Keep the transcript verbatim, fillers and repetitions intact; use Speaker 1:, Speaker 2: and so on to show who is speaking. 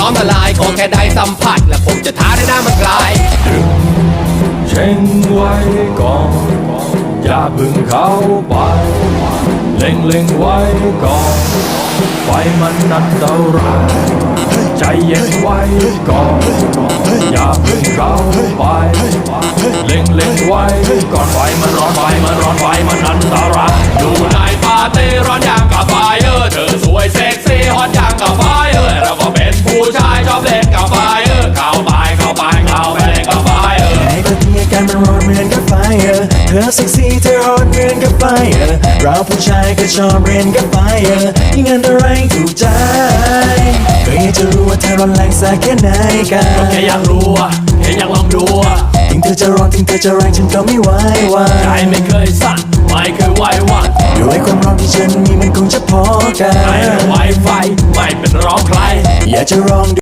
Speaker 1: น้อมละลายขอแค่ได้สัมผัสและผมจะท้าได้หน้ามันกลาย
Speaker 2: เช่งไว้ก่อนอย่าพึ่งเข้าไปเล็งเล็งไว้ก่อนไฟมันอันตรายใจเย็นไว้ก่อนอย่าพึ่งเข้าไปเล็งเล็งไว้ก่อนไฟมันร้อนไฟมันร้อนไฟมันอันตราย
Speaker 1: อยู่ในปาร์ตี้ร้อนอย่างกับไฟเออเธอสวยเซ็กซี่ฮอตอย่างกับไฟเออเราก็เป็นผู้ชายชอบเล่นกับไฟเออเข้าไปเข้าไปเข้าไปเล่นกับไฟเออ
Speaker 3: ไอ้คนที่อาการมันร้อนเหมือนกับไฟเออเธอเซ็กซี่เธอฮอตเหมือนกับไฟเออเราผู้ชายก็ชอบเรียนกับไฟเออยิ่งอันตรายถูกใจก็อยากจะรู้ว่าเธอร้อนแรงสักแค่ไหนกัน
Speaker 2: ก็แค่อยากรู้อะแค่อยากลองดูอะ
Speaker 3: ถึงเธอจะร้อนถึงเธอจะแรงฉันก็ไม่ไหววาน
Speaker 2: ใจไม่เคยสั่นไม่เคยไหวหวั่น
Speaker 3: ด้วยความร้อนที่ฉันมีมันคงจะพอกัน
Speaker 2: ไม่ไหวไฟไม่เป็นร้องใคร
Speaker 3: อยากจะลอง